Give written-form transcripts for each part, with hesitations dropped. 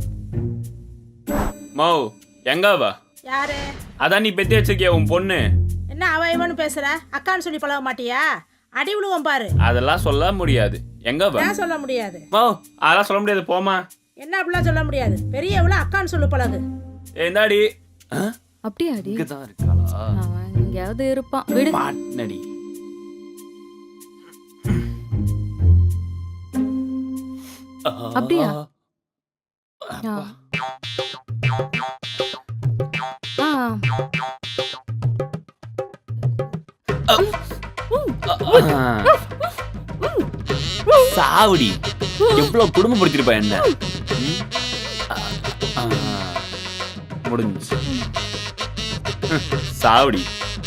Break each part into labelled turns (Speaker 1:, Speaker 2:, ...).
Speaker 1: மோ எங்க அவ?
Speaker 2: யாரு?
Speaker 1: அதான் நீ பெத்தி வச்சிருக்கிய உன் பொண்ணு.
Speaker 2: என்ன அவ இவனு பேசுற? அக்கான்னு சொல்லி பழக மாட்டியா? அடி விழுவோம் பாரு.
Speaker 1: அதெல்லாம் சொல்ல முடியாது. எங்க அவ?
Speaker 2: ஏன் சொல்ல முடியாது?
Speaker 1: மோ அதெல்லாம் சொல்ல முடியாது, போமா.
Speaker 2: என்ன அப்படிலாம் சொல்ல முடியாது? பெரியவள அக்கான்னு சொல்லு பழகு.
Speaker 1: ஏந்தாடி
Speaker 3: அப்படியாடி?
Speaker 1: இங்கதான் இருக்காளா?
Speaker 3: அவன் எங்கேயாவது இருப்பான், விடு.
Speaker 1: பாட்னடி.
Speaker 3: அப்படியா?
Speaker 1: சாவடி எவ்வளவு குடும்பப்படுத்திருப்பா என்ன. முடிஞ்சு சாவடி.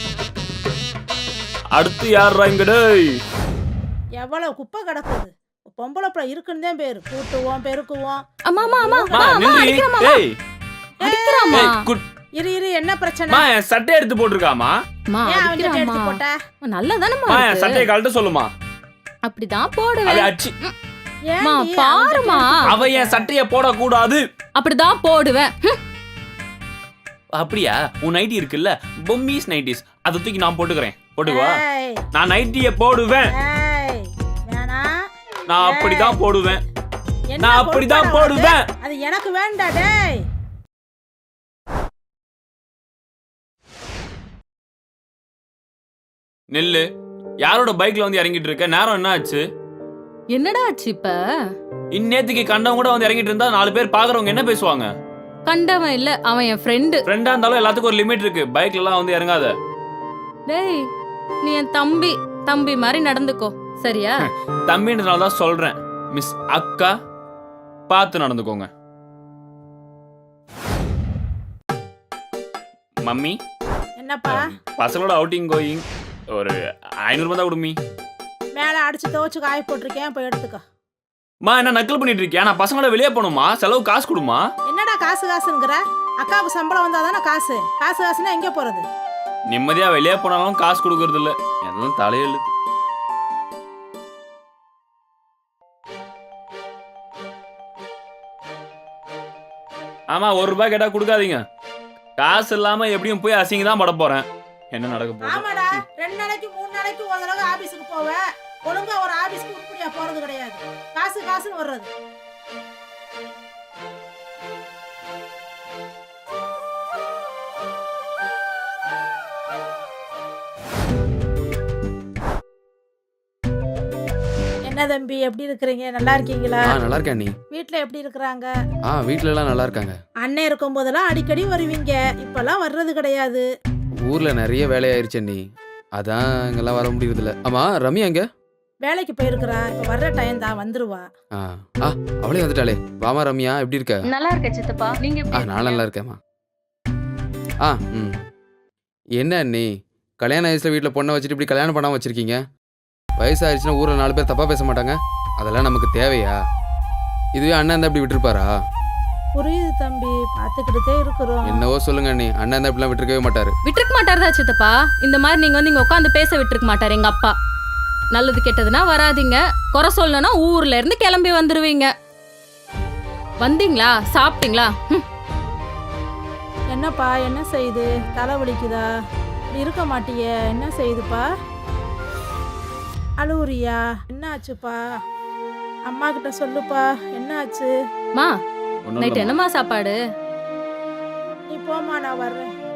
Speaker 1: அடுத்து யாரா இங்கடே?
Speaker 2: எவ்வளவு குப்பை கிடக்குது. பொம்பளை பிள்ளை இருக்குன்னு தான் பேரு. கூட்டுவோம் பெருக்குவோம்.
Speaker 3: அம்மா அம்மா அம்மா
Speaker 1: மா நில்லி. ஏய்
Speaker 3: அடிக்கறாமா?
Speaker 2: இரு இரு, என்ன பிரச்சனை?
Speaker 1: மா என் சட்டை எடுத்து போட்டுருக்காமா.
Speaker 3: அம்மா
Speaker 2: ஏன் அவன் கிட்ட எடுத்து
Speaker 3: அடிக்கறாமா?
Speaker 2: போட்ட?
Speaker 3: நல்லதானம்மா
Speaker 1: மா என்
Speaker 3: இருக்கு.
Speaker 1: சட்டையை கழட்ட சொல்லுமா.
Speaker 3: அப்படிதான்
Speaker 1: அவ
Speaker 3: போடுவேன்.
Speaker 1: அச்சி
Speaker 3: அம்மா
Speaker 2: ஏன்டி
Speaker 3: பாருமா,
Speaker 1: அவ என் சட்டைய போடக்கூடாது.
Speaker 3: அப்படிதான் போடுவேன்.
Speaker 1: அப்படியா? உன் நைட்டி இருக்குல்ல, பொம்மிஸ் நைட்டிஸ், அதை தூக்கி நான் போட்டுக்கிறேன். போட்டுக்குவா.
Speaker 2: ஏய்,
Speaker 1: நான் நைட்டிய போடுவேன்.
Speaker 2: ஏய், வேணாம்.
Speaker 1: நான் அப்படிதான் போடுவேன்.
Speaker 2: என்ன
Speaker 1: நான் அப்படிதான்
Speaker 2: பொறுப்பாடா
Speaker 1: போடுவேன்.
Speaker 2: உனக்கு? அது எனக்கு வேண்டா டேய்.
Speaker 1: நெல்லு யாரோட பைக்ல வந்து இறங்கிட்டு இருக்க? நேரம் என்ன ஆச்சு?
Speaker 3: என்னடா ஆச்சு இப்ப?
Speaker 1: இந்நேத்துக்கு கண்டவங்க கூட வந்து இறங்கிட்டு இருந்தா 4 பேர் பாக்குறவங்க என்ன பேசுவாங்க?
Speaker 3: கண்டவன் இல்ல, அவன் என் ஃப்ரெண்டு.
Speaker 1: ஃப்ரெண்டா இருந்தாலும் எல்லாத்துக்கும் ஒரு லிமிட் இருக்கு. பைக்ல எல்லாம் வந்து இறங்காத.
Speaker 3: டேய், நீ என் தம்பி, தம்பி மாதிரி நடந்துக்கோ, சரியா?
Speaker 1: தம்பின்றனால தான் சொல்றேன். மிஸ் அக்கா, பார்த்து நடந்துக்கோங்க. மம்மி,
Speaker 2: என்னப்பா?
Speaker 1: பசங்களோட அவுட்டிங் கோயிங் ஒரு 500 ரூபாய் தான் கொடுமி.
Speaker 2: மேல அடிச்சு துவச்சு காய போட்டிருக்கேன், போய் எடுத்துக்கோ.
Speaker 1: மா என்ன நக்கல் பண்ணிட்டு இருக்கியா? நான் பசங்களோட வெளியே போகணுமா? செலவு காசு கொடுமா.
Speaker 2: என்னடா காசு காசுங்கிற? அக்காவுக்கு சம்பளம் வந்தாதானே காசு. காசு காசுன்னா எங்க போறது?
Speaker 1: நிம்மதியா வெளியே போனாலும் காசு கொடுக்கறது இல்ல. எல்லாம் தலையெழுத்து. ஆமா, 1 ரூபாய் கேட்டா கொடுக்காதீங்க. காசு இல்லாம எப்படியும் போய் அசிங்க தான் பட போறேன். என்ன நடக்க போகுது?
Speaker 2: ஆமாடா, 2 நாளைக்கு 3 நாளைக்கு ஒரு தடவை ஆபீஸ்க்கு போவேன். ஒழுங்கா ஒரு ஆபீஸ்க்கு உருப்படியா போறது கிடையாது. காசு காசுன்னு வர்றது. என்ன தம்பி, எப்படி இருக்கிறீங்க? நல்லா இருக்கீங்களா?
Speaker 4: நல்லா இருக்கேன் நீ.
Speaker 2: வீட்ல எப்படி இருக்கிறாங்க?
Speaker 4: வீட்ல எல்லாம் நல்லா இருக்காங்க.
Speaker 2: அண்ணன் இருக்கும் போதெல்லாம் அடிக்கடி வருவீங்க. இப்பெல்லாம் வர்றது கிடையாது.
Speaker 4: ஊர்ல நிறைய வேலையாயிருச்சு நீ, அதான் இங்கெல்லாம் வர முடியறது இல்ல. ஆமா, ரம்யா எங்க?
Speaker 2: வேலைக்கு போயிருக்கிறா. இப்ப வர்ற டைம் தான், வந்துருவா.
Speaker 4: அவளே வந்துட்டாளே. வாமா ரம்யா, எப்படி இருக்க?
Speaker 3: நல்லா இருக்க சித்தப்பா, நீங்க எப்படி?
Speaker 4: நான் நல்லா இருக்கேம்மா. என்ன நீ கல்யாண வயசுல வீட்டுல பொண்ணை வச்சுட்டு இப்படி கல்யாணம் பண்ணாம வச்சிருக்கீங்க? வயசாயிருச்சுன்னா ஊர்ல 4 பேர் தப்பா பேச மாட்டாங்க? அதெல்லாம் நமக்கு தேவையா? இதுவே அண்ணன் இருந்தா இப்படி விட்டுருப்பாரா?
Speaker 2: புரியுது தம்பி, பாத்துக்கிட்டே இருக்கிறோம்.
Speaker 4: என்னவோ சொல்லுங்க நீ. அண்ணன் இருந்தா இப்படிலாம் விட்டுருக்கவே மாட்டாரு.
Speaker 3: விட்டுருக்க மாட்டாருதா சித்தப்பா? இந்த மாதிரி நீங்க வந்து இங்க உட்காந்து பேச விட்டுருக்க மாட்டாரு எங்க அப்பா. நல்லது கெட்டதுன்னா வராதீங்க, குறை சொல்லணும்னா ஊர்ல இருந்து கிளம்பி வந்துருவீங்க. வந்தீங்களா, சாப்பிட்டீங்களா?
Speaker 2: என்னப்பா, என்ன செய்யுது? தலை வலிக்குதா? இப்படி இருக்க மாட்டியே, என்ன செய்யுதுப்பா? அழுவுறியா? என்ன ஆச்சுப்பா? அம்மா கிட்ட சொல்லுப்பா, என்ன ஆச்சு?
Speaker 3: மா,
Speaker 1: ஒண்ணும்
Speaker 3: நைட்
Speaker 1: இல்லம்மா.
Speaker 3: என்னமா சாப்பாடு?
Speaker 2: நீ போமா, நான் வர்றேன்.